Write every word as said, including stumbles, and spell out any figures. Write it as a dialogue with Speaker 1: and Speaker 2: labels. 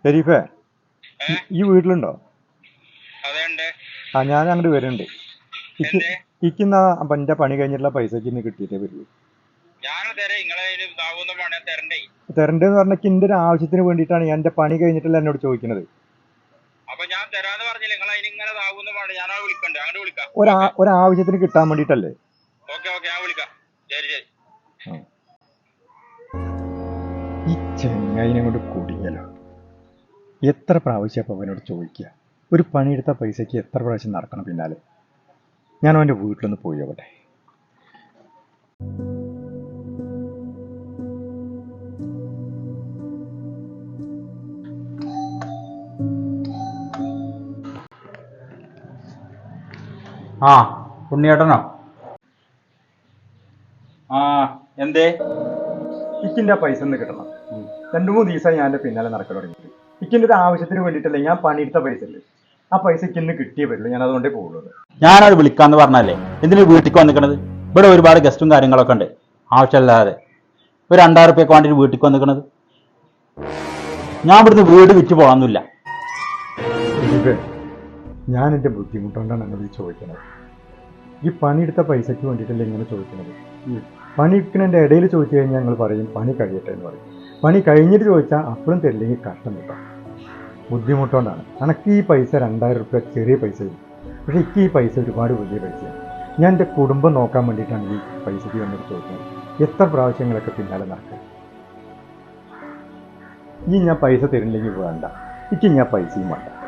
Speaker 1: ഷെരീഫേ, ഈ വീട്ടിലുണ്ടോ?
Speaker 2: അതെണ്ട്.
Speaker 1: ആ, ഞാൻ അങ്ങോട്ട് വരുന്നുണ്ട്. ഇക്ക്
Speaker 2: എന്തേ?
Speaker 1: ഇക്കിന്നാ എന്റെ പണി കഴിഞ്ഞിട്ടുള്ള പൈസക്ക് ഇന്ന് കിട്ടിയിട്ടേ വരുള്ളൂ.
Speaker 2: ഞാൻ തരാം. നിങ്ങളെ ഇതാവുന്ന പണി തരണ്ടേ?
Speaker 1: തരണ്ടെന്ന് പറഞ്ഞാൽ എന്റെ ഒരു ആവശ്യത്തിന് വേണ്ടിയിട്ടാണ് ഞാൻ എന്റെ പണി കഴിഞ്ഞിട്ടല്ല എന്നോട് ചോദിക്കുന്നത്.
Speaker 2: അപ്പൊ ഞാൻ തരാന്ന് പറഞ്ഞില്ല. നിങ്ങൾ അതിന് ഇങ്ങനെ ഇതാവുന്ന പണി ഞാനാ വിളിക്കണ്ടേ? അങ്ങോട്ട് വിളിക്കാം.
Speaker 1: ഒരാ ഒരാവശ്യത്തിന് കിട്ടാൻ വേണ്ടിയിട്ടല്ലേ?
Speaker 2: ഓക്കെ ഓക്കെ, ഞാൻ വിളിക്കാം. ശരി ശരി.
Speaker 1: ഈ ചെങ്ങായിനെ കൊണ്ട് കുടുങ്ങിയല്ലോ. എത്ര പ്രാവശ്യം അപ്പം അവനോട് ചോദിക്കുക? ഒരു പണിയെടുത്ത പൈസക്ക് എത്ര പ്രാവശ്യം നടക്കണം പിന്നാലെ? ഞാൻ അവൻ്റെ വീട്ടിലൊന്ന് പോയി ആവട്ടെ.
Speaker 3: ആ, ഉണ്ണിയേട്ടനോ? ആ, എന്തേ?
Speaker 1: ഇക്കിൻ്റെ ആ പൈസ ഒന്ന് കിട്ടണം. രണ്ടു മൂന്ന് ദിവസമായി ഞാൻ എൻ്റെ പിന്നാലെ നടക്കാൻ തുടങ്ങിയിട്ട്. ഇക്കിൻ്റെ ഒരു ആവശ്യത്തിന് വേണ്ടിയിട്ടല്ലേ ഞാൻ പണിയെടുത്ത പൈസ അല്ലേ? ആ പൈസ ഇക്കിന്ന് കിട്ടിയേ വരുള്ളൂ. ഞാൻ അതുകൊണ്ടേ പോകുള്ളൂ.
Speaker 3: ഞാനത് വിളിക്കാന്ന് പറഞ്ഞല്ലേ എന്തിനു വീട്ടിലേക്ക് വന്നിക്കണത്? ഇവിടെ ഒരുപാട് ഗസ്റ്റും കാര്യങ്ങളൊക്കെ ഉണ്ട്. ആവശ്യമില്ലാതെ ഒരു രണ്ടായിരം റുപ്യക്ക് വേണ്ടിയിട്ട് വീട്ടിലേക്ക് വന്നിക്കണത്. ഞാൻ ഇവിടുന്ന് വീട് വിറ്റ് പോകാനൊന്നുമില്ല.
Speaker 1: ഞാൻ എൻ്റെ ബുദ്ധിമുട്ടുകൊണ്ടാണ് എന്നോട് ചോദിക്കുന്നത്. ഈ പണിയെടുത്ത പൈസയ്ക്ക് വേണ്ടിയിട്ടല്ലേ ഇങ്ങനെ ചോദിക്കുന്നത്? പണിയെടുക്കുന്നതിൻ്റെ ഇടയിൽ ചോദിച്ചു കഴിഞ്ഞാൽ ഞങ്ങൾ പറയും പണി കഴിയട്ടെ എന്ന് പറയും. പണി കഴിഞ്ഞിട്ട് ചോദിച്ചാൽ അപ്പോഴും തരില്ലെങ്കിൽ കഷ്ടം കിട്ടാം. ബുദ്ധിമുട്ടുകൊണ്ടാണ്. എനിക്ക് ഈ പൈസ രണ്ടായിരം റുപ്യ ചെറിയ പൈസയും, പക്ഷേ എനിക്ക് ഈ പൈസ ഒരുപാട് വലിയ പൈസയാണ്. ഞാൻ എൻ്റെ കുടുംബം നോക്കാൻ വേണ്ടിയിട്ടാണ് ഈ പൈസയ്ക്ക് വേണ്ടിയിട്ട് ചോദിക്കുന്നത്. എത്ര പ്രാവശ്യങ്ങളൊക്കെ പിന്നാലെ നടക്കുക. ഈ ഞാൻ പൈസ തരില്ലെങ്കിൽ വേണ്ട, എനിക്ക് ഞാൻ പൈസയും വേണ്ട.